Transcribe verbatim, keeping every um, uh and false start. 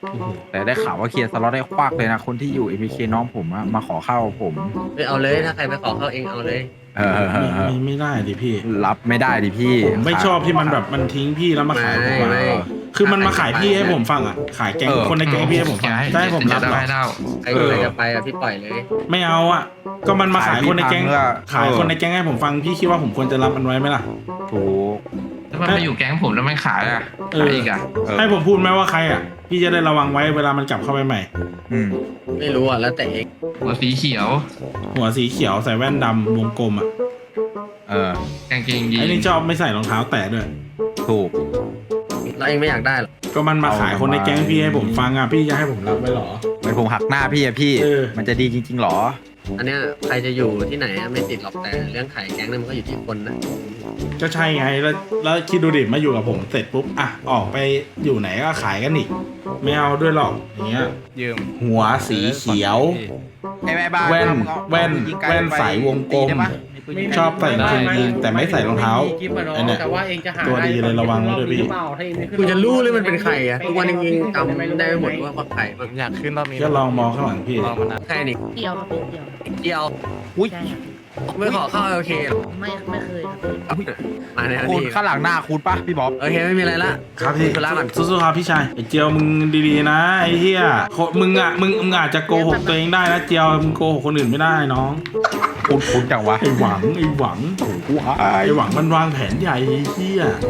แต่ได้ข่าวว่าเคลียร์สล็อตได้ควักเลยนะคนที่อยู่ เอ็ม บี เค น้องผมอะมาขอเข้าผมไปเอาเลยถ้าใครไปขอเข้าเองเอาเลยเออไม่ไม่ไม่ได้ดิพี่รับไม่ได้ดิพี่ผมไม่ชอบที่มันแบบมันทิ้งพี่แล้วมาขายผมไม่อะไม่คือมันมาขายพี่ให้ผมฟังอ่ะขายแก๊งเออคนในแก๊งพี่ให้ผมฟังจะให้ผมรับเหรอได้เล่าใครใครจะไปอะพี่ปล่อยเลยไม่เอาอ่ะก็มันมาขายคนในแก๊งขายพี่พังแล้วขายคนในแก๊งให้ผมฟังพี่คิดว่าผมควรจะรับมันไว้ไหมล่ะถูกแล้วมันไปอยู่แก๊งผมแล้วมันขายอ่ะเออขายอีกอ่ะเออให้ผมพูดไหมว่าใครอ่ะพี่จะได้ระวังไว้เวลามันกลับเข้าไปใหม่อืมไม่รู้อ่ะแล้วแต่เองหัวสีเขียวหัวสีเขียวใส่แว่นดำวงกลมอ่ะเออกางเกงยีนไอ้นี่ชอบไม่ใส่รองเท้าแตะด้วยถูกแล้วเองไม่อยากได้หรอก็มันมาขายคนในแก๊งพี่ให้ผมฟังอ่ะพี่จะให้ผมรับไว้เหรอเป็นผมหักหน้าพี่อะพี่เออมันจะดีจริงๆหรออันเนี้ยใครจะอยู่ที่ไหนอะไม่ติดหรอกแต่เรื่องขายแก๊งนั่นมันก็อยู่ที่คนนะก็ใช่ไงแล้วแล้วคิดดูดิมาอยู่กับผมเสร็จปุ๊บอ่ะออกไปอยู่ไหนก็ขายกันอีกไม่เอาด้วยหรอกอย่างเงี้ยยืมหัวสีเขียวไอ้แม่บ้านแว่นเอาเอาแว่นเอายิงไกลแว่นไปสายวงกลมตีได้ปะมีปืนยิงไกลชอบใส่กางเกงยีนแต่ไม่ใส่รองเท้าไม่มีคลิปอะเนาะไอ้เนี่ยแต่ว่าเองจะหาตัวดีเลยระวังไว้ด้วยพี่หรือเปล่าถ้าเองไม่ขึ้นกูจะรู้เลยมันเป็นใครอ่ะทุกวันนี้ยังจำได้ไม่หมดว่าว่าใครบ้างอยากขึ้นรอบนี้ก็ลองมองข้างหลังพี่ลองมานานใครนี่เดียวครับพี่เดียวเดียวอุ้ยใช่ครับไม่ขอเข้าโอเคหรอไม่ไม่เคยครับพี่มาในคุณนี้ข้างหลังหน้าคุณปะพี่บ๊อบโอเคไม่มีอะไรละครับพี่ธุระก่อนสู้ๆครับพี่ชายไอ้เจียวมึงดีๆนะไอ้เหี้ยโคมึงอ่ะมึงมึงอาจจะโกหกตัวเองได้นะเจียวมึงโกหกคนอื่นไม่ได้น้องคุณคุณจังวะไอ้หวังไอ้หวังว้าไอ้ยหวังมันวางแผนใหญ่ไอ้เหี้ย